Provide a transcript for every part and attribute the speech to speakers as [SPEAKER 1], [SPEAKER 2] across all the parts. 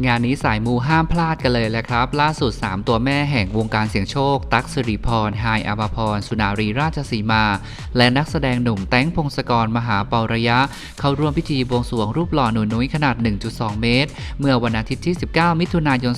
[SPEAKER 1] งานนี้สายมูห้ามพลาดกันเลยแหละครับล่าสุด3ตัวแม่แห่งวงการเสี่ยงโชคตั๊กสิริพรไฮายอภพรสุนารีราชสีมาและนักแสดงหนุ่มแต้งพงศกรมหาเประยะเข้าร่วมพิธีบวงสรวงรูปหล่อหนูนุ้ยขนาด 1.2 เมตรเมื่อวันอาทิตย์ที่ 19 มิถุนายน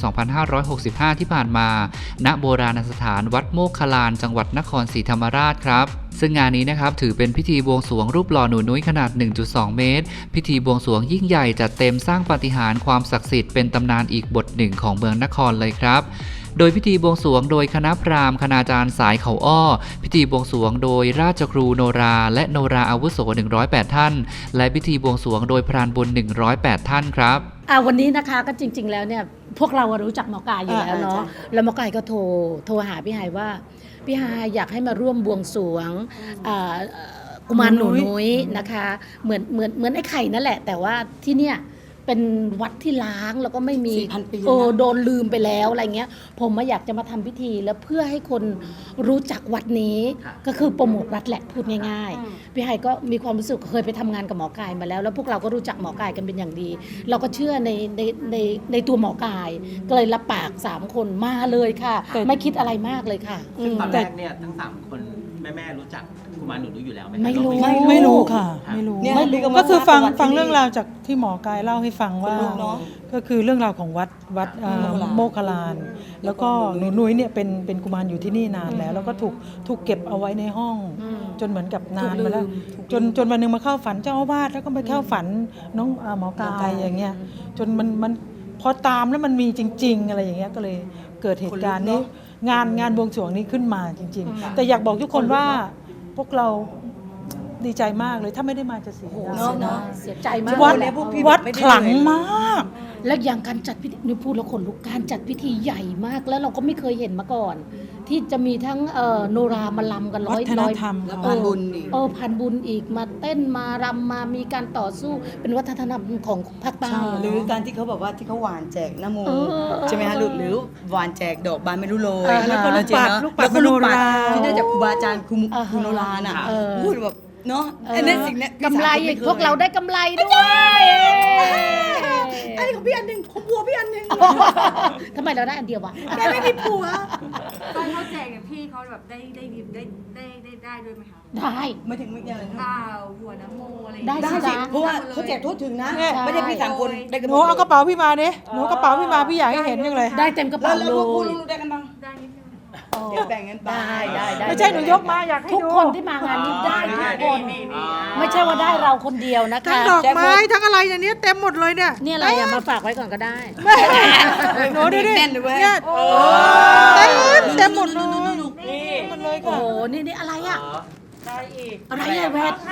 [SPEAKER 1] 2565 ที่ผ่านมาณโบราณสถานวัดโมกขลานจังหวัดนครศรีธรรมราชครับซึ่งงานนี้นะครับถือเป็นพิธีบวงสรวงรูปหล่อหนูนุ้ยขนาด 1.2 เมตรพิธีบวงสรวงยิ่งใหญ่จัดเต็มสร้างปาฏิหาริย์ความศักดิ์สิทธิ์เป็นตำนานอีกบทหนึ่งของเมืองนครเลยครับโดยพิธีบวงสรวงโดยคณะพราหมณ์คณาจารย์สายเขาอ้อพิธีบวงสรวงโดยราชครูโนราและโนราอาวุโส108ท่านและพิธีบวงสรวงโดยพรานบุญ108ท่านครับ
[SPEAKER 2] วันนี้นะคะก็จริงๆแล้วเนี่ยพวกเรารู้จักหมอกายอยู่แล้วเนาะแล้วหมอกายก็โทรหาพี่ไฮว่าพี่ไฮอยากให้มาร่วมบวงสรวงกุมารหนูนุ้ยนะคะเหมือนไอ้ไข่นั่นแหละแต่ว่าที่เนี่ยเป็นวัดที่ล้างแล้วก็ไม่มีโดนลืมไปแล้วอะไรเงี้ยผมมาอยากจะมาทำพิธีแล้วเพื่อให้คนรู้จักวัดนี้ก็คือโปรโมทวัดแหละพูดง่ายๆพี่ไฮก็มีความรู้สึกเคยไปทำงานกับหมอกายมาแล้วแล้วพวกเราก็รู้จักหมอกายกันเป็นอย่างดีเราก็เชื่อในตัวหมอกายก็เลยรับปาก3คนมาเลยค่ะไม่คิดอะไรมากเลยค่ะ
[SPEAKER 3] ซึ่งตอนแรกเนี่ยทั้ง3คนแม่รู้จักกุมารหนูนุ้ยอยู่แล้วไหม
[SPEAKER 2] ไม่รู้
[SPEAKER 4] ค่ะไม่รู้ก็คือฟังเรื่องราวจากที่หมอกายเล่าให้ฟังว่าก็คือเรื่องราวของวัดโมคคลานแล้วก็หนูนุ้ยเนี่ยเป็นกุมารอยู่ที่นี่นานแล้วแล้วก็ถูกเก็บเอาไว้ในห้องจนเหมือนกับนานมาแล้วจนวันนึงมาเข้าฝันเจ้าอาวาสแล้วก็ไปเข้าฝันน้องหมอกายอย่างเงี้ยจนมันพอตามแล้วมันมีจริงๆอะไรอย่างเงี้ยก็เลยเกิดเหตุการณ์นี้งานบวงสรวงนี้ขึ้นมาจริงๆแต่อยากบอกทุกคนว่าพวกเราดีใจมากเลยถ้าไม่ได้มาจะเสีย
[SPEAKER 2] เสียใจมาก
[SPEAKER 4] วัดขลังมาก
[SPEAKER 2] และอย่างการจัดพิธีนี่พูดแล้วขนลุกการจัดพิธีใหญ่มากแล้วเราก็ไม่เคยเห็นมาก่อน ที่จะมีทั้งโนรามาลำกันร้อย
[SPEAKER 4] พันบุญ
[SPEAKER 2] พันบุญอีกมาเต้นมารำมามีการต่อสู้เป็นวัฒนธรรมของภาคใต้
[SPEAKER 5] หรือการที่เขาบอกว่าที่เขาหวานแจกน้ำมนต์ใช่ไหมคะหรือหวานแจกดอกบานไม่รู้โรย
[SPEAKER 4] แล้วก็ลูกปัด
[SPEAKER 5] ที่ได้จากครูบาอาจารย์ครูโนราน่ะพูดแบบเนาะอันนี้สิ่งนี้
[SPEAKER 2] กำไรพวกเราได้กำไรด้วย
[SPEAKER 5] อันนี้ของพี่อันหนึ่งของผัวพี่อันหนึ่ง
[SPEAKER 2] ทำไมเราได้อันเดียววะ
[SPEAKER 5] แกไม่มีผัว
[SPEAKER 6] ตอนเขาแจกอย่างพี่เขาแบบได้ด้วยไหมคะ
[SPEAKER 2] ได้
[SPEAKER 5] ไม่ถึงไม่ยังเลย
[SPEAKER 6] หัวน้ำโมอะไร
[SPEAKER 2] ได้
[SPEAKER 5] สิเพราะว่าเขาแจกทั่วถึงนะไม่ได้พี่3คนได้กัน
[SPEAKER 4] หนูเอากระเป๋าพี่มาเนี่ยหนูกระเป๋าพี่มาพี่อยากให้เห็นยังเลย
[SPEAKER 2] ได้เต็มกระเป๋าเลย
[SPEAKER 5] แล้วลูกได้กันบ้าง
[SPEAKER 6] ได้นิดนึง
[SPEAKER 5] เดี๋ยวแบ่งกัน
[SPEAKER 2] ได้
[SPEAKER 4] ไม่ใช่หนูยกมาอยากให้
[SPEAKER 2] ทุกคนที่มางานนี้ได้ทุกคนไม่ใช่ว่าได้เราคนเดียวนะคะ
[SPEAKER 4] ทั้งดอกไม้ทั้งอะไรอย่างนี้เต็มหมดเลยเนี่ย
[SPEAKER 2] นี่อะไรมาฝากไว้ก่อนก็ได้
[SPEAKER 4] หนูดูดิเนี่ยเต็มหมดเลย
[SPEAKER 2] โอ้นี่อะไรอ่ะ
[SPEAKER 6] ได้อีก
[SPEAKER 2] อะไรอะแวด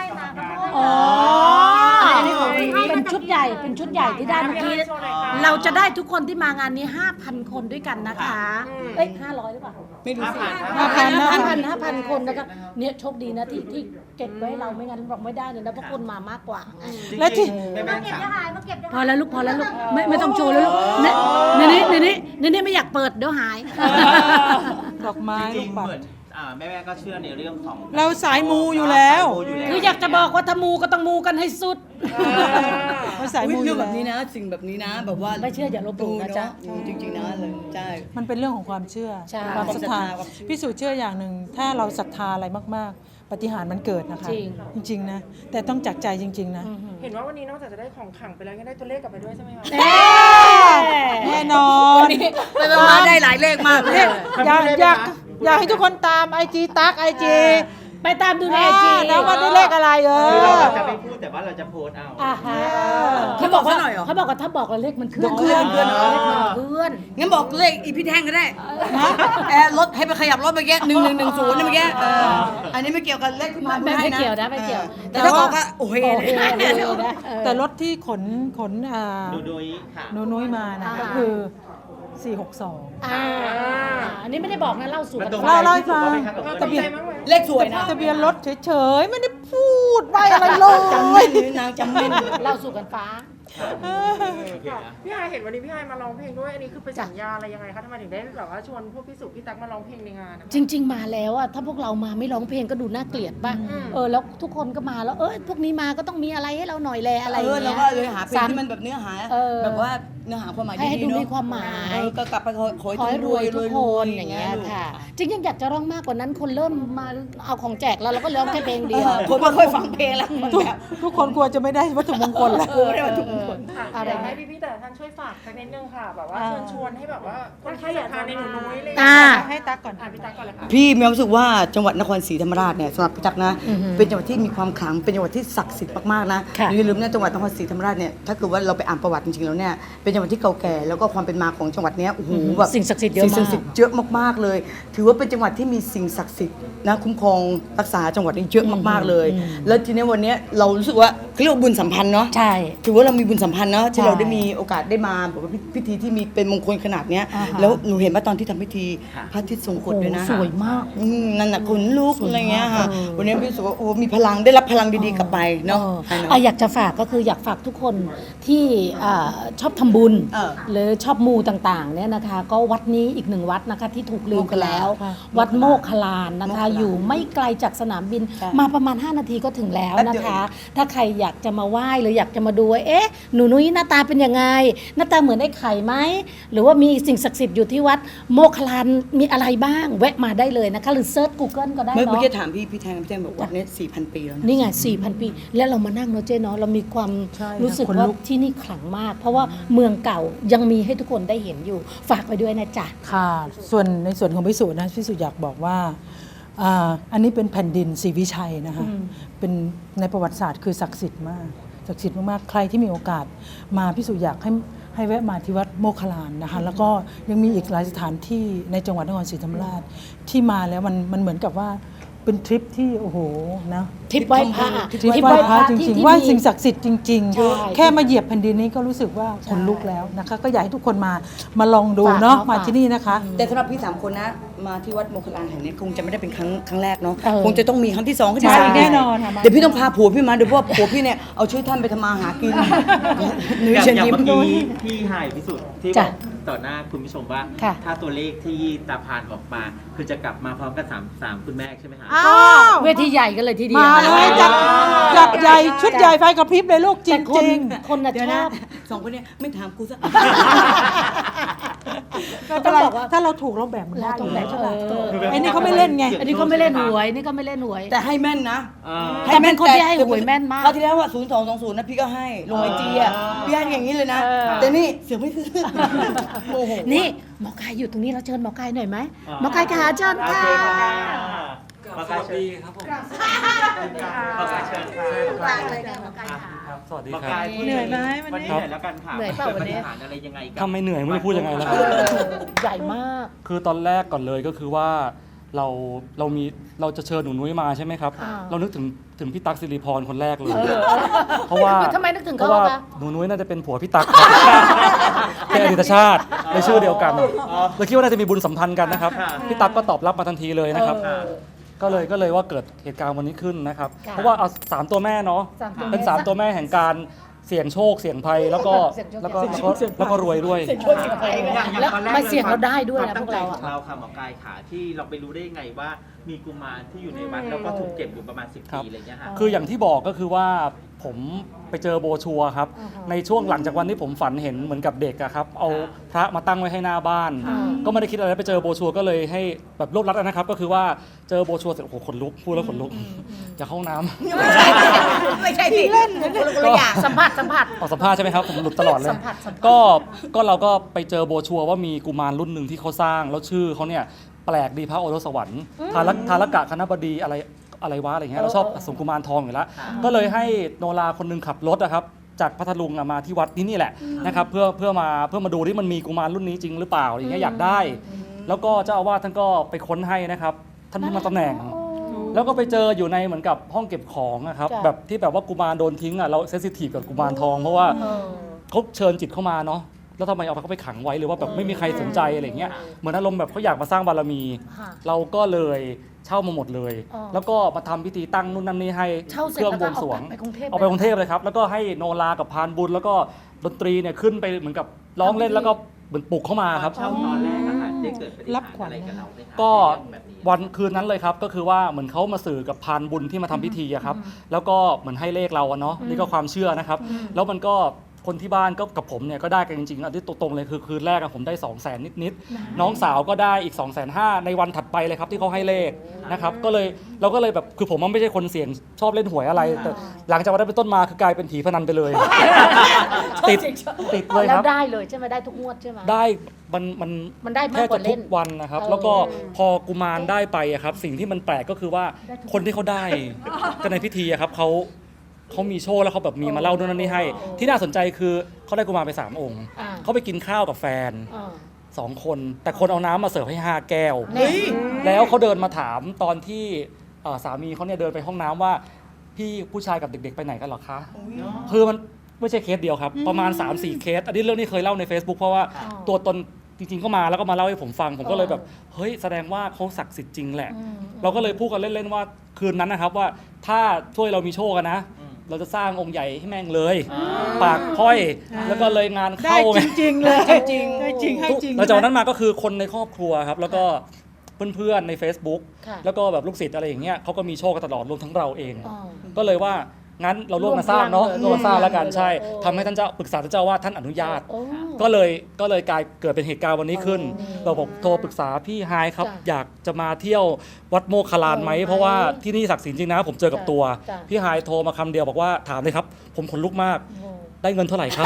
[SPEAKER 2] เป็นชุดใหญ่ที่ได้เมื่อกี้เราจะได้ทุกคนที่มางานนี้ 5,000 คนด้วยกันนะคะ500หรือเปล่า
[SPEAKER 5] ไม่รู้สิ
[SPEAKER 2] 5,000 คนนะคะเนี่ยโชคดีนะที่เก็บไว้เราไม่งั้นเราไม่ได้เลยนะเพราะคนมามากกว่า
[SPEAKER 4] แล้วที่
[SPEAKER 2] พอแล้วลูกไม่ต้องโชว์แล้วลูกนี่ไม่อยากเปิดเดี๋ยวหาย
[SPEAKER 4] ดอกไม้ลูกปัด
[SPEAKER 3] แม่ก็เชื่อในเรื่องของ
[SPEAKER 4] เราสายมูอยู่แล้ว
[SPEAKER 2] คืออยากจะบอกว่าถ้ามูก็ต้องมูกันให้สุด
[SPEAKER 4] เราสายมูอยู่
[SPEAKER 5] แบบนี้นะสิ่งแบบนี้นะแบบว่า
[SPEAKER 2] ไม่เชื่ออย่าลบหลู่นะจ๊ะ
[SPEAKER 5] จริงๆนะเลยใช่
[SPEAKER 4] มันเป็นเรื่องของความเชื่อความศรัทธาพิสูจน์เชื่ออย่างหนึ่งถ้าเราศรัทธาอะไรมากๆปาฏิหาริย์มันเกิดนะคะจริงๆนะแต่ต้องจากใจจริงๆนะ
[SPEAKER 6] เห็นว่าวันนี้นอกจากจะได้ของขลังไปแล้วยังได้ตัวเลขกลับไปด้วยใช่ไหมคะ
[SPEAKER 4] แน่นอน
[SPEAKER 5] ไปมาได้หลายเลขมากเลย
[SPEAKER 4] อยากให้ทุกคนตามIG ตั๊ก IG
[SPEAKER 2] ไปตามดูในIG
[SPEAKER 4] แล้วว่าได้เลขอะไร
[SPEAKER 3] เราจะไม่พูดแต่ว่าเราจะโพสเอา
[SPEAKER 5] เขาบอกว่า
[SPEAKER 2] ถ้าบอกเราเลขมันเคลื่อน
[SPEAKER 5] งั้นบอกเลขอีพี่แท่งก็ได้รถให้ไปขยับรถเมื่อกี้1110นี่เมื่อกี้อันนี้ไม่เกี่ยวกับเลขที่มา
[SPEAKER 2] ไม่เกี่ยวนะไม่เกี่ยว
[SPEAKER 5] แต่ถ้าบอกว่าโอเค
[SPEAKER 4] แต่รถที่ขน
[SPEAKER 3] หนูนุ้ย
[SPEAKER 4] มานะก็คือ462
[SPEAKER 2] อันนี้ไม่ได้บอกนะเล่าสู่กัน
[SPEAKER 4] เล่าให้ฟัง
[SPEAKER 5] ทะเบียนเลขสวยนะ
[SPEAKER 4] ทะเบียนรถเฉยๆไม่ได้พูดใบอะไรเลย
[SPEAKER 5] จำแม่นนางจำแม่น
[SPEAKER 2] เล่าสู่กันฟ้า
[SPEAKER 7] พี่ไฮายเห็นวันนี้พี่ไฮายมาร้องเพลงด้วย อันนี้คือเป็นสัญญาอะไรยังไงคะทำไมถึงได้แบบว่าชวนพวกพี่สุพี่ตั๊กมาร้องเพลงในงานนะคะ
[SPEAKER 2] จริง ๆ มาแล้วอะถ้าพวกเรามาไม่ร้องเพลงก็ดูน่าเกลียดป่ะแล้วทุกคนก็มาแล้วพวกนี้มาก็ต้องมีอะไรให้เราหน่อยแลอะไรอย่าง
[SPEAKER 5] เรา
[SPEAKER 2] เงี้ย
[SPEAKER 5] ก็เลยหาเพลงที่มันแบบเนื้อหาแบบว่าเนื้อหาความหมาย
[SPEAKER 2] ให้
[SPEAKER 5] ดี
[SPEAKER 2] ดู
[SPEAKER 5] ๆเนาะ
[SPEAKER 2] มีความหมาย
[SPEAKER 5] ก็กลับไปขอ
[SPEAKER 2] ขอให้รวยทุกคนอย่าง
[SPEAKER 5] เงี้
[SPEAKER 2] เงี้ยค่ะ จริงยังอยากจะร้องมากกว่านั้นคนเริ่มมาเอาของแจกแล้วเราก็ร้องแค่เพลงเดียว
[SPEAKER 5] คนไม่ค่อยฟังเพลงแล้ว
[SPEAKER 4] ทุกคนกลัวจะไม่ได้วัตถุมงคลแล้ว
[SPEAKER 5] ได้มาทุกคน
[SPEAKER 2] อะไร
[SPEAKER 7] อยาก
[SPEAKER 2] นะ
[SPEAKER 7] ให้พี่ๆแต่ละท่านช่วยฝากสักนิดนึงค่ะ แบบว่าเชิญชวนให้แบบว่าคนที่อยากทานในหนูนุ้ยเลย
[SPEAKER 4] ให้ตั๊กก่อน
[SPEAKER 7] พี่ตั๊กก่อนเลยค่ะ
[SPEAKER 5] พี่มีความรู้สึกว่าจังหวัดนครศรีธรรมราชเนี่ยสำหรับพี่ตั๊กนะเป็นจังหวัดที่มีความขลังเป็นจังหวัดที่ศักดิ์สิทธิ์มากๆนะ
[SPEAKER 2] ค่ะ
[SPEAKER 5] อย่าลืมนะจังหวัดนครศรีธรรมราชเนี่ยถ้าเกิดว่าเราไปอ่านประวัติจริงๆแล้วเนี่ยเป็นจังหวัดที่เก่าแก่แล้วก็ความเป็นมาของจังหวัดเนี้ยโอ้โหแบบ
[SPEAKER 2] สิ่งศักดิ์สิทธิ์เยอะ
[SPEAKER 5] สิ่งศั
[SPEAKER 2] มาก
[SPEAKER 5] กดิ์สิทธิ์เยอะมากๆเลย ถือว่าเป็นจังหวัดที่มีสิ่งศักดิ์สิทธิ์นะคุ้มครองรักษาจังหวัดนี้เยอะมากๆเลย แล้วทีนี้วันเนี้ยเรารู้สึกว่าเขาเรียกว่าบุญสัมพันธ์เนาะ
[SPEAKER 2] ใช่
[SPEAKER 5] ถือว่าเรามีบุญสัมพันธ์เนาะที่
[SPEAKER 2] ใช่
[SPEAKER 5] เราได้มีโอกาสได้มาแบบว่าพิธีที่มีเป็นมงคลขนาดเนี้ย
[SPEAKER 2] อ่าฮะ
[SPEAKER 5] แล้วหนูเห็นว่าตอนที่ทำพิธีพระอาทิตย์ทรงกฎด้วยนะ
[SPEAKER 2] โอ้สวยมาก
[SPEAKER 5] นั่นน่ะขนลุก
[SPEAKER 2] สวยมาก
[SPEAKER 5] อะไรเงี้ยค่ะวันนี้พี่รู้สึกว่าโอ้มีพลังได้รับพลังดีๆกลับไปเนาะ
[SPEAKER 2] อยากจะฝากก็คืออยากฝากทุกคนที่ชอบทำบุญ หรือชอบมูต่างๆเนี่ยนะคะ ก็วัดนี้อีกหนึ่งวัดนะคะที่ถูกลืมไปแล้ว วัดโมกขลานนะคะ อยู่ไม่ไกลจากสนามบินมาประมาณ 5 นาทีก็ถึงแล้วนะคะ ถ้าใครอยากจะมาไหว้หรืออยากจะมาดูว่าหนูนุ้ยหน้าตาเป็นยังไง หน้าตาเหมือนไอ้ไข่ไหมหรือว่ามีสิ่งศักดิ์สิทธิ์อยู่ที่วัดโมกขลานมีอะไรบ้างแวะมาได้เลยนะคะ หรือเซิร์ช Google ก็ได้
[SPEAKER 5] เมื่อ
[SPEAKER 2] เนาะ
[SPEAKER 5] กี้ถามพี่แทงบอกวัดเนี้ 4,000 ปีแล้วนะ
[SPEAKER 2] นี่ไง 4,000 ปี แล้วเรามานั่งเนาะเจ๊เนาะ เรามีความ
[SPEAKER 4] ใช่
[SPEAKER 2] รู้สึก
[SPEAKER 4] ขน
[SPEAKER 2] ว่า
[SPEAKER 4] ลุก
[SPEAKER 2] ที่นี่ขลังมาก เพราะว่าเมืองเก่ายังมีให้ทุกคนได้เห็นอยู่ ฝากไว้ด้วยนะจ๊ะ
[SPEAKER 4] ค่ะในส่วนของพิสุนะพิสุอยากบอกว่าอันนี้เป็นแผ่นดินศรีวิชัยนะคะเป็นในประวัติศาสตร์คือศักดิ์สิทธิ์มากศักดิ์สิทธิ์มากๆใครที่มีโอกาสมาพิสุอยากให้แวะมาที่วัดโมคคลานนะคะแล้วก็ยังมีอีกหลายสถานที่ในจังหวัดนครศรีธรรมราชที่มาแล้วมันเหมือนกับว่าเป็นทริปที่โอ้โหนะ
[SPEAKER 2] ทริปไหว้พระ
[SPEAKER 4] ทริปไหว้พระจริงๆไหว้สิ่ง
[SPEAKER 2] ที่
[SPEAKER 4] ศักดิ์สิทธิ์จริง
[SPEAKER 2] ใช่
[SPEAKER 4] ๆ แค่มาเหยียบแผ่นดินนี้ก็รู้สึกว่าขนลุกแล้วนะคะก็อยากให้ทุกคนมาลองดู
[SPEAKER 2] ฝาก
[SPEAKER 4] เนาะ
[SPEAKER 2] เนาะ
[SPEAKER 4] มา
[SPEAKER 2] ฝาก
[SPEAKER 4] ที่นี่นะคะ
[SPEAKER 5] แต่สำหรับพี่3คนนะมาที่วัดโมคคลานแห่งนี้คงจะไม่ได้เป็นครั้งแรกเนาะ
[SPEAKER 2] เออ
[SPEAKER 5] คงจะต้องมีครั้งที่2ขึ้น
[SPEAKER 4] ใช่
[SPEAKER 5] มา
[SPEAKER 4] แน่นอนค่ะมา
[SPEAKER 5] เดี๋ยวพี่ต้องพาผัวพี่มาเดี๋ยวเพราะว่าผัวพี่เนี่ยเอาชื่อท่านไปทำมาหากินหนู
[SPEAKER 3] อย่าง
[SPEAKER 5] เชิญ
[SPEAKER 3] อย่าง
[SPEAKER 5] ยิ้ม
[SPEAKER 3] เมื่อกี้พี่หายพิสุทธิ์ที่บ
[SPEAKER 2] จ้ะ
[SPEAKER 3] อกต่อหน้าคุณผู้ชมว่า
[SPEAKER 2] ค่ะ
[SPEAKER 3] ถ้าตัวเลขที่ตาพานออกมา คือจะกลับมาพร้อมกันสามคุณแม่ใช่ไหมคะ
[SPEAKER 2] เวทีใหญ่กันเลยทีเดียว
[SPEAKER 4] มาเลยจัดใหญ่ชุดใหญ่ไฟกระพริบเลยลูกจ
[SPEAKER 2] แต่คน
[SPEAKER 4] ริง
[SPEAKER 2] คนน่ะ
[SPEAKER 5] เดี๋ยว
[SPEAKER 2] ช
[SPEAKER 5] นะ
[SPEAKER 2] อบ
[SPEAKER 5] สองคนเนี้ไม่ถามกูซะ
[SPEAKER 4] ๆ
[SPEAKER 2] ต้
[SPEAKER 4] ถ้า
[SPEAKER 2] อง
[SPEAKER 4] เรา
[SPEAKER 2] บอกว่า
[SPEAKER 4] ถ้าเราถูกเราแบ่งมันได้
[SPEAKER 2] เราต้องแบ่ง
[SPEAKER 4] ใช่ไหม
[SPEAKER 2] เออ
[SPEAKER 4] ไอ้นี่เขาไม่เล่นไง
[SPEAKER 2] อันนี้ก็ไม่เล่นหวยนี่ก็ไม่เล่นหวย
[SPEAKER 5] แต่ให้แม่นนะ
[SPEAKER 2] แต่เป็นคนที่ให้หวยแม่นมาก
[SPEAKER 5] คราวที่แล้วว่า0220นะพี่ก็ให้ลงไอจีอ่ะพี่ให้อย่างนี้เลยนะ แต่นี่เสือกไม่ซื้อโอ้โห
[SPEAKER 2] นี่หมอกายอยู่ตรงนี้เราเชิญหมอกายหน่อยไหมหมอกายขาเชิญ
[SPEAKER 3] โอ
[SPEAKER 2] ค่ะ
[SPEAKER 3] เคค่ะขอกายเชิญครับผมขอกายเชิญค่ะ
[SPEAKER 8] สวัสดี
[SPEAKER 3] หมอ
[SPEAKER 8] ครั
[SPEAKER 3] กา
[SPEAKER 8] บ
[SPEAKER 3] ยพูด
[SPEAKER 4] เหนื่อยไหมวันนี้
[SPEAKER 3] วันนี้เหนื่อยแล้วกันค่ะ
[SPEAKER 2] เหนื่อยเปล่าวันนี้
[SPEAKER 3] กิดปฏิหารย์อะไรยังไงกับ
[SPEAKER 8] ถ้าไม่เหนื่อยไม่รู้จะพูดยังไงแล้วครับ
[SPEAKER 2] ใหญ่มาก
[SPEAKER 8] คือตอนแรกก่อนเลยก็คือว่าเราจะเชิญหนูนุ้ยมาใช่ไหมครับ
[SPEAKER 2] อ่า
[SPEAKER 8] เรานึกถึงพี่ตั๊กสิริพรคนแรกเลย เพราะว่า
[SPEAKER 2] ทำไมนึกถึง
[SPEAKER 8] เพ
[SPEAKER 2] เขา
[SPEAKER 8] ราะว่า
[SPEAKER 2] คะ
[SPEAKER 8] หนูนุ้ยน่าจะเป็นผัวพี่ตั๊กครับเป็นอดีตชาติในชื่อเดียวกันเลยคิดว่าน่าจะมีบุญสัมพันธ์กันนะครับพี่ตั๊กก็ตอบรับมาทันทีเลยนะครับ ก็เลยว่าเกิดเหตุการณ์วันนี้ขึ้นนะครับ
[SPEAKER 2] ค่ะ
[SPEAKER 8] เพราะว่าเอา3ตัวแม่เนาะ
[SPEAKER 2] สามตัวแม่
[SPEAKER 8] เป็น3ตัวแม่แห่งการเสี่ยงโชคเสี่ยงภัยแล้วก็
[SPEAKER 2] เสี่ยงโชค
[SPEAKER 8] แล้วก็รวยด้วย
[SPEAKER 2] แล้วมาเสี่ยงเราได้ด้วยนะพวกเรา
[SPEAKER 3] ควมตั้งใจข
[SPEAKER 2] อะ
[SPEAKER 3] องเราค่ะหมอกายขาที่เราไปรู้ได้ยังไงว่ามีกุมารที่อยู่ในวัดแล้วก็ถูกเก็บอยู่ประมาณ10 ปีอะไรเงี้ยฮะ
[SPEAKER 8] คืออย่างที่บอกก็คือว่าผมไปเจอโบรชัวร์ครับ ในช่วงหลังจากวันที่ผมฝันเห็นเหมือนกับเด็กอะครับ เอาพระมาตั้งไว้ให้หน้าบ้าน ก็ไม่ได้คิดอะไรไปเจอโบรชัวร์ก็เลยให้แบบรวบรัดนะครับ ก็คือว่าเจอโบรชัวร์เสร็จโอ้โหขนลุกพูดแล้วขนลุกอยากเข้าห้องน้ำ
[SPEAKER 5] ไม่ใช่สิเล่นคนละอย่าง
[SPEAKER 2] สัมผัส
[SPEAKER 8] ออกสัมภาษณ์ใช่ไหมครับผมหลุดตลอดเลย
[SPEAKER 2] สัมผัส
[SPEAKER 8] ก็เราก็ไปเจอโบรชัวร์ว่ามีกุมารรุ่นหนึ่งที่เขาสร้างแล้วชื่อเขาเนี่ยแปลกดีพระโอรสสวรรค์ทารกะคณบดีอะไรวะอะไรเงี้ยเราชอบสมกุมารทองอยู่แล้วก็เลยให้โนราคนหนึงขับรถนะครับจากพัทลุงมาที่วัดที่นี่แหละนะครับเพื่อมาดูที่มันมีกุมารรุ่นนี้จริงหรือเปล่าอะไรเงี้ยอยากได้ แล้วก็เจ้าอาวาสท่านก็ไปค้นให้นะครับท่านเพิ่งมาตำแหน่ง แล้วก็ไปเจออยู่ในเหมือนกับห้องเก็บของนะครับ
[SPEAKER 2] จ้ะ
[SPEAKER 8] แบบที่แบบว่ากุมารโดนทิ้งอ่ะเราเซนซิทีฟกับกุมารทองเพราะว่าเขาเชิญจิตเข้ามาเนาะแล้วทำไมเอาเขาไปขังไว้หรือว่าแบบไม่มีใครสนใจอะไรเงี้ยเหมือนอารมณ์แบบเขาอยากมาสร้างบารมี
[SPEAKER 2] ค่ะ
[SPEAKER 8] เราก็เลยใช่ามาหมดเลย
[SPEAKER 2] อ๋อ
[SPEAKER 8] แล้วก็มาทำพิธีตั้งนู่นนั่นนี่ให้
[SPEAKER 2] เช่าเส
[SPEAKER 8] เค
[SPEAKER 2] ร็จ
[SPEAKER 8] รื่อง
[SPEAKER 2] แล้ว
[SPEAKER 8] บ
[SPEAKER 2] ก็
[SPEAKER 8] วงสรวง
[SPEAKER 2] เอาไปกรุงเทพ
[SPEAKER 8] เอาไปกรุงเทพเลยครับแล้วก็ให้โนรากับพานบุญแล้วก็ดนตรีเนี่ยขึ้นไปเหมือนกับร้องเล่นแล้วก็เหมือนปลุกเข้ามาครับ
[SPEAKER 3] เช่าตอนแรกอะค่ะได้เกิดปฏิ
[SPEAKER 4] รั
[SPEAKER 3] หา
[SPEAKER 4] บ
[SPEAKER 3] ร
[SPEAKER 4] ขวัญ
[SPEAKER 3] อะไรกับเราไหมคะ
[SPEAKER 8] ก็
[SPEAKER 3] ในเรื่องแบบนี้
[SPEAKER 8] วันคืนนั้นเลยครับก็คือว่าเหมือนเขามาสื่อกับพานบุญที่มาทำพิธีอะครับแล้วก็เหมือนให้เลขเราอะเนาะนี่ก็ความเชื่อนะครับ แล้วมันก็คนที่บ้านก็กับผมเนี่ยก็ได้กันจริงๆอันที่ตรงๆเลยคือคืนแรกอะผมได้ 200,000 นิดๆน้องสาวก็ได้อีก 250,000ในวันถัดไปเลยครับที่เขาให้เลขนะครับก็เลยเราก็เลยแบบคือผมมันไม่ใช่คนเสี่ยงชอบเล่นหวยอะไรแต่หลังจากวันนั้นเป็นต้นมาคือกลายเป็นผีพนันไปเลย ติดเลย
[SPEAKER 2] แล้
[SPEAKER 8] คว รับ
[SPEAKER 2] ได้เลยใช่ไหมได้ทุกงวดใช่ไหม
[SPEAKER 8] ได้มัน
[SPEAKER 2] มันได้มาก
[SPEAKER 8] แค่
[SPEAKER 2] กว่า
[SPEAKER 8] จะ
[SPEAKER 2] เล่
[SPEAKER 8] ทุ
[SPEAKER 2] น
[SPEAKER 8] กวันนะครับ
[SPEAKER 2] เออ
[SPEAKER 8] แล้วก็พอกุมารได้ไปอะครับสิ่งที่มันแปลกก็คือว่าคนที่เขาได้กันในพิธีอะครับเขามีโชว์แล้วเขาแบบมีมาเล่าด้วยนั่นนี่ให้ ที่น่าสนใจคือเขาได้กุมารไป3 องค์
[SPEAKER 2] อ่า
[SPEAKER 8] เขาไปกินข้าวกับแฟน
[SPEAKER 2] อ่า
[SPEAKER 8] 2 คน แต่คนเอาน้ำมาเสิร์ฟให้5 แก้ว
[SPEAKER 2] เฮ้ย
[SPEAKER 8] แล้วเขาเดินมาถามตอนที่สามีเขาเนี่ยเดินไปห้องน้ำว่าพี่ผู้ชายกับเด็กๆไปไหนกันเหรอคะคือมันไม่ใช่เคสเดียวครับประมาณ 3-4 เคสอันนี้เรื่องนี้เคยเล่าใน Facebook เพราะว่าตัวตนจริงๆก็มาแล้วก็มาเล่าให้ผมฟังผมก็เลยแบบเฮ้ยแสดงว่าเขาศักดิ์สิทธิ์จริงแหละ เราก็เลยพูดกันเล่นๆว่าคืนนั้นนะครับว่าถ้าช่วยเรามีโชคกันนะ เราจะสร้างองค์ใหญ่ให้แม่งเลย ปากพ้อยแล้วก็เลยงาน
[SPEAKER 4] ได้
[SPEAKER 8] เข้า
[SPEAKER 4] จริงๆเลย
[SPEAKER 5] จริง
[SPEAKER 4] ได้จริงให้จริง
[SPEAKER 8] หลังจากนั้นมาก็คือคนในครอบครัวครับแล้วก็เพื่อนๆใน Facebook
[SPEAKER 2] ค่ะ
[SPEAKER 8] แล้วก็แบบลูกศิษย์อะไรอย่างเงี้ยเขาก็มีโชคกันตลอดรวมทั้งเราเอง
[SPEAKER 2] อ๋อ
[SPEAKER 8] ก็เลยว่างั้นเราร่วมกันสร้างเนาะ
[SPEAKER 2] ร่วมพลังเลย
[SPEAKER 8] ร่วมกันสร้างแล้วกันใช่
[SPEAKER 2] โอ้
[SPEAKER 8] ทำให้ท่านเจ้าปรึกษาท่านเจ้าว่าท่านอนุญาต
[SPEAKER 2] โอ้
[SPEAKER 8] ก็เลยกลายเกิดเป็นเหตุการณ์วันนี้ขึ้น เราบอกโทรปรึกษาพี่ไฮายครับ
[SPEAKER 2] จ้ะ
[SPEAKER 8] อยากจะมาเที่ยววัดโมคคลานไหม
[SPEAKER 2] ไหม
[SPEAKER 8] เพราะว่าที่นี่ศักดิ์สิทธิ์จริงนะผมเจอกับตัว
[SPEAKER 2] จ้ะ
[SPEAKER 8] พี่ไฮายโทรมาคำเดียวบอกว่าถามเลยครับ ผมขนลุกมาก
[SPEAKER 2] โอ้
[SPEAKER 8] ได้เงินเท่าไหร่ครับ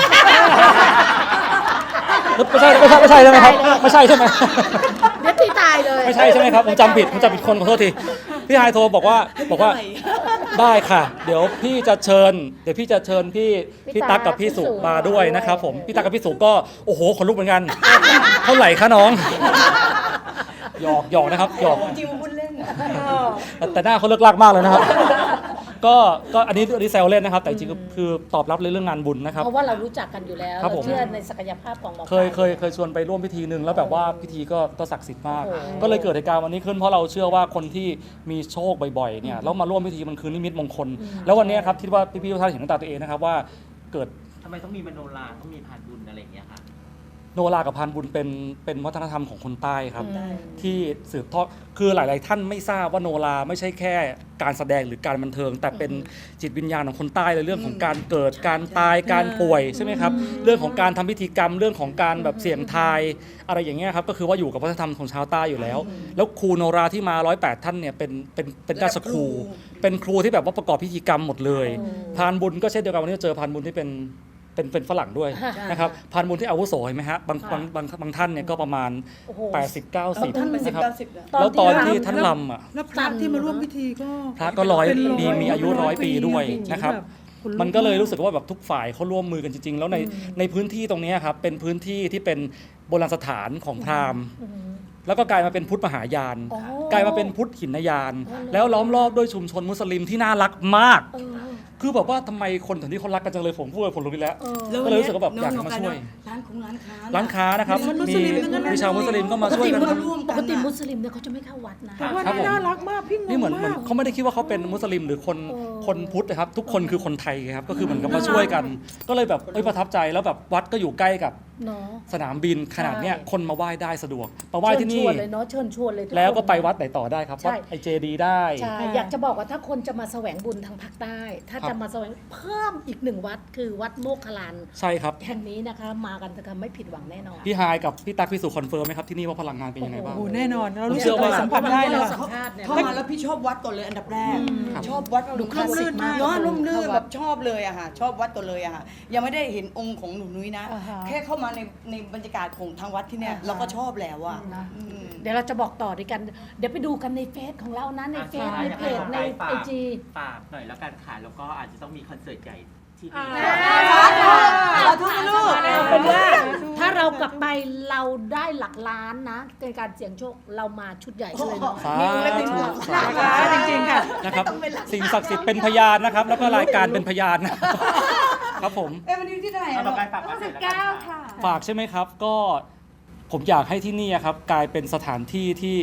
[SPEAKER 8] ไม่ใช่ใช่ไหมครับไม่ใช่ใช่ไหม
[SPEAKER 2] เดี๋ยวตีตายเลย
[SPEAKER 8] ไม่ใช่ใช่ไหมครับผมจำผิดคนขอโทษทีพี่ไฮายโทรบอกว่าได้ค่ะ เดี๋ยวพี่จะเชิญพี่ตั๊กกับพี่สุมาด้วยนะครับผมพี่ตั๊กกับพี่สุก็โอ้โหขนลุกเหมือนกัน เท่าไหร่คะน้องหยอกนะครับหยอก
[SPEAKER 5] จริงๆมันพูดเล่น
[SPEAKER 8] แต่หน้าเขาเลิกลากมากเลยนะครับ ก็อันนี้แซวเล่นนะครับ แต่จริงๆคือตอบรับเลยเรื่องงานบุญนะครับ
[SPEAKER 2] เพราะว่าเรารู้จักกันอยู่แล้ว
[SPEAKER 8] ครับ
[SPEAKER 2] เรา
[SPEAKER 8] ผม
[SPEAKER 2] เชื่อในศักยภาพของหมอ
[SPEAKER 8] เคยชวนไปร่วมพิธีหนึ่งแล้วแบบว่าพิธีก็ศักดิ์สิทธิ์มาก
[SPEAKER 2] โอ้โห
[SPEAKER 8] ก็เลยเกิดเหตุการณ์วันนี้ขึ้นเพราะเราเชื่อว่าคนที่มีโชคบ่อยๆเนี่ยแล้วมาร่วมพิธีมันคือนิมิตมงคล แล้ววันนี้ครับคิดว่าพี่ๆทุกท่านเห็นด้วยตาตัวเองนะครับว่าเกิด
[SPEAKER 3] ทำไมต้องมีมโนราต้องมีพานบุญอะไรอย่างเงี้ยค่ะ
[SPEAKER 8] โนรากับพานบุญเป็นวัฒนธรรมของคนใต้ครับ
[SPEAKER 2] อืม
[SPEAKER 8] ที่สืบทอดคือหลาย ๆ ท่านไม่ทราบว่าโนราไม่ใช่แค่การแสดงหรือการบันเทิง แต่เป็นจิตวิญญาณของคนใต้เลยเรื่องของการเกิดการตายการป่วยใช่ไหมครับเรื่องของการทำพิธีกรรมเรื่องของการแบบเสี่ยงทายอะไรอย่างเงี้ยครับก็คือว่าอยู่กับวัฒนธรรมของชาวใต้อยู่แล้ว แล้วครูโนราที่มา108ท่านเนี่ยเป็นราชครู เป็นครูที่แบบว่าประกอบพิธีกรรมหมดเลยพานบุญก็เช่นเดียวกันวันนี้เจอพานบุญที่เป็นฝรั่งด้วยนะครับพานบุญที่อาวุโสเห็นไหมฮะบางท่านเนี่ยก็ประมาณ
[SPEAKER 2] โอ้โห
[SPEAKER 8] 80-90
[SPEAKER 5] ท่านเป็น10
[SPEAKER 8] นะครับ
[SPEAKER 5] 90นะ
[SPEAKER 8] แล้วตอนที่ท่านลำอ่ะ
[SPEAKER 4] แล้วพระที่มาร่วมพิธีก็
[SPEAKER 8] พระก็ร้อย
[SPEAKER 4] เป็น
[SPEAKER 8] มีอายุ100 ปีด้วยนะครับ
[SPEAKER 4] แบบ
[SPEAKER 8] มันก็เลยรู้สึกว่าแบบทุกฝ่ายเขาร่วมมือกันจริงๆ แล้วในพื้นที่ตรงนี้ครับเป็นพื้นที่ที่เป็นโบราณสถานของพราหมณ์ แล้วก็กลายมาเป็นพุทธมหายาน
[SPEAKER 2] โอ้
[SPEAKER 8] กลายมาเป็นพุทธหินยาน แล้วล้อมรอบด้วยชุมชนมุสลิมที่น่ารักมาก
[SPEAKER 2] เออ
[SPEAKER 8] คือแบบว่าทำไมคนถึงที่เขารักกันจังเลยผมพูดเลยผมรู้ไปแล้ว
[SPEAKER 2] เออ
[SPEAKER 8] ก็เลยรู้สึกว่าแบบอยากจะมาช่วย
[SPEAKER 5] ร้านของร้านค้า
[SPEAKER 8] ร้านค้านะครับ
[SPEAKER 4] มีมุสลิมทั้งนั้นเลย
[SPEAKER 8] มีชาวมุสลิมก็มาช่วยกัน
[SPEAKER 2] ปกติมุสลิมเนี่ยเขาจะไม่เข้าวัดนะ
[SPEAKER 4] แต่ว่า
[SPEAKER 8] ครับผม
[SPEAKER 4] น่ารักมากพี่งง
[SPEAKER 8] นี่เหมือน
[SPEAKER 4] มาก
[SPEAKER 8] เขาไม่ได้คิดว่าเขาเป็นมุสลิมหรือคนพุทธนะครับ ทุกคนคือคนไทยครับก็คือเหมือนกับมาช่วยกัน ก็เลยแบบประทับใจแล้วแบบวัดก็อยู่ใกล้กับ
[SPEAKER 2] เนาะ
[SPEAKER 8] สนามบินขนาดเนี้ย
[SPEAKER 2] ใช่
[SPEAKER 8] คนมาไหว้ได้สะดวกมาไหว้ที่นี่
[SPEAKER 2] เชิญชวนเลยเนาะเชิญชวนเลยทุคน
[SPEAKER 8] แล้วก็ไปวัดไหนต่อได้ครับ
[SPEAKER 2] ใช่
[SPEAKER 8] วัดไอเจดีได้
[SPEAKER 2] ใช่อยากจะบอกว่าถ้าคนจะมาแสวงบุญทางภาคใต้ ถ้า
[SPEAKER 8] ครับ
[SPEAKER 2] จะมาแสวงเพิ่มอีกหนึ่งวัดคือวัดโมกขลาน
[SPEAKER 8] ใช่ครับ
[SPEAKER 2] แห่งนี้นะคะ มากันจะไม่ผิดหวังแน่นอน
[SPEAKER 8] พี่ฮายกับพี่ตั๊กพี่สุคอนเฟิร์มไหมครับที่นี่ว่าพลังงานเป็นยังไงบ้าง
[SPEAKER 4] โอ้โหแน่นอนเรารู้
[SPEAKER 8] ผมเชื่
[SPEAKER 4] สึก
[SPEAKER 8] อว่า
[SPEAKER 4] สัมผัสได้เลย
[SPEAKER 2] เรา
[SPEAKER 4] อะ
[SPEAKER 2] สัมภาษณ์เนี่ย
[SPEAKER 5] เข้ามาแล้วพี่ชอบวัดก่อนเลยอันดับแรก
[SPEAKER 8] ครับ
[SPEAKER 5] ชอบวัด
[SPEAKER 2] ดูคลาสสิกมาก
[SPEAKER 5] เนาะร่มรื่น
[SPEAKER 2] เข้าวัด
[SPEAKER 5] แบบชอบเลยอะค่ะชอบวัดก่อนเลยอะค่ะยังไม่ได้เห็นองค์ของหนูนุ้ยนะ
[SPEAKER 2] อ่าฮะ
[SPEAKER 5] แค่เข้ามาในบรรยากาศของทางวัดที่เนี่ย
[SPEAKER 2] อ่าฮะ
[SPEAKER 5] เราก็ชอบแล้วอะ
[SPEAKER 2] นะ
[SPEAKER 5] อืม
[SPEAKER 2] เดี๋ยวเราจะบอกต่อด้วยกัน เดี๋ยวไปดูกันในเฟซของเรานะในเฟซ
[SPEAKER 3] ใช่
[SPEAKER 2] ในเพจใน
[SPEAKER 3] ฝาก
[SPEAKER 2] ไอจี
[SPEAKER 3] ฝากหน่อยแล้วกันค่ะแล้วก็อาจจะต้องมีคอนเสิร์ตใหญ่ที่
[SPEAKER 6] อ่า
[SPEAKER 3] นี่
[SPEAKER 5] สาธุนะลูก
[SPEAKER 2] เป็นว่าถ้าเรากลับไปเราได้หลักล้านนะในการเสี่ยงโชคเรามาชุดใหญ่กันเลยเนาะ
[SPEAKER 8] สา
[SPEAKER 5] มีองค์เล็กนิด
[SPEAKER 8] ธุ
[SPEAKER 5] เดียว
[SPEAKER 8] สาธุ
[SPEAKER 4] จริงๆค่ะ
[SPEAKER 8] นะครับสิ่งศักดิ์สิทธิ์เป็นพยานนะครับ แล้วก็รายการเป็นพยานนะครับครับผม
[SPEAKER 5] วันนี้ที่เท่าไหร่
[SPEAKER 3] เอา
[SPEAKER 5] อะ
[SPEAKER 3] ต่
[SPEAKER 5] ลู
[SPEAKER 3] อก ไปฝากคอนเสิร์ตแล้วกัน
[SPEAKER 6] ค่ะ
[SPEAKER 8] ฝากใช่ไหมครับก็ผมอยากให้ที่นี่ครับกลายเป็นสถานที่ที่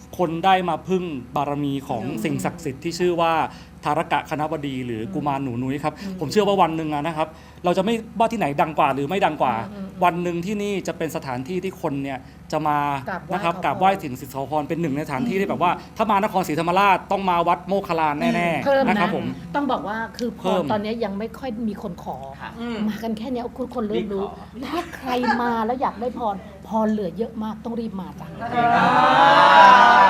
[SPEAKER 8] คนได้มาพึ่งบารมีของสิ่งศักดิ์สิทธิ์ที่ชื่อว่าทารกะคณบดีหรือกุมารหนูนุ้ยครับผมเชื่อว่าวันหนึ่งนะครับเราจะไม่ว่าที่ไหนดังกว่าหรือไม่ดังกว่า วันหนึ่งที่นี่จะเป็นสถานที่ที่คนเนี่ยจะมาก
[SPEAKER 2] ราบไหว้
[SPEAKER 8] นะครับ
[SPEAKER 2] ขอพร
[SPEAKER 8] กราบไหว้สิ่งศักดิ์สิทธิ์ขอพรเป็นหนึ่งในสถานที่ที่แบบว่าถ้ามานครศรีธรรมราชต้องมาวัดโมคคัลลานแน่
[SPEAKER 2] เพิ่ม
[SPEAKER 8] ๆนะ
[SPEAKER 2] นะครับ
[SPEAKER 8] ผม
[SPEAKER 2] ต้องบอกว่าคือพ
[SPEAKER 8] เพิ่
[SPEAKER 2] ร
[SPEAKER 8] ม
[SPEAKER 2] ตอนนี้ยังไม่ค่อยมีคนขอ
[SPEAKER 3] ค่ะ
[SPEAKER 2] มากันแค่เนี้ยคนเริ่มรู้
[SPEAKER 3] รีบขอ
[SPEAKER 2] ถ้าใครมาแล้วอยากได้พรเหลือเยอะมากต้องรีบมาจ้ะ